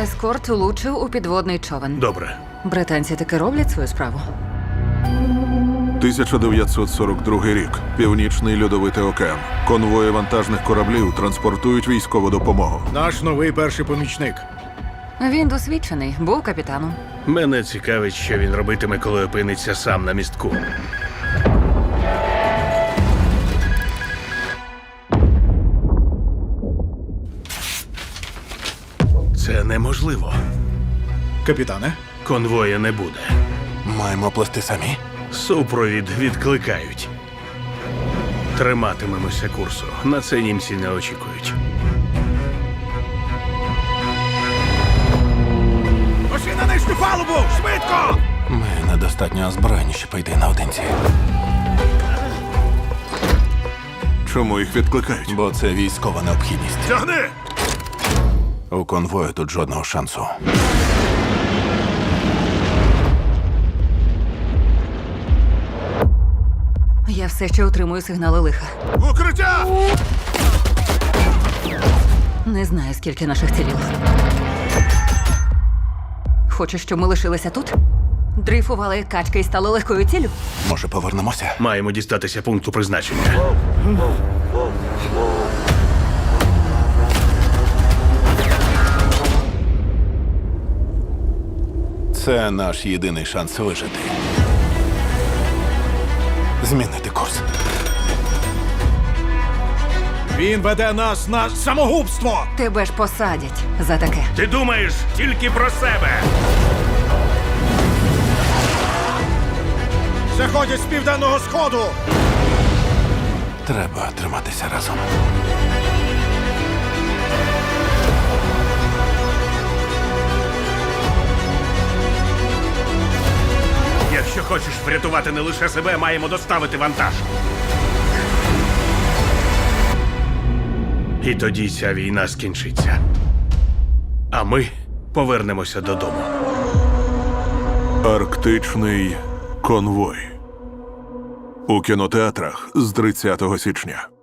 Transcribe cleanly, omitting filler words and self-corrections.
Ескорт влучив у підводний човен. Добре. Британці таки роблять свою справу. 1942 рік. Північний льодовитий океан. Конвої вантажних кораблів транспортують військову допомогу. Наш новий перший помічник. Він досвідчений, був капітаном. Мене цікавить, що він робитиме, коли опиниться сам на містку. Це неможливо. Капітане, Конвоя не буде. Маємо плести самі. Супровід відкликають. Триматимемося курсу. На це німці не очікують. пошли на нижню палубу! Швидко! Ми недостатньо озброєні, щоб пойти наодинці. Чому їх відкликають? Бо це військова необхідність. Тягни! У конвою тут жодного шансу. Я все ще отримую сигнали лиха. Укриття! Не знаю, скільки наших ціліло. Хочеш, щоб ми лишилися тут? Дрейфували як качки і стали легкою ціллю? Може, повернемося? Маємо дістатися пункту призначення. Це наш єдиний шанс вижити. Змінити курс. Він веде нас на самогубство! Тебе ж посадять за таке. Ти думаєш тільки про себе. Заходять з південного сходу! Треба триматися разом. Якщо хочеш врятувати не лише себе, маємо доставити вантаж. І тоді ця війна скінчиться. А ми повернемося додому. Арктичний конвой. У кінотеатрах з 30 січня.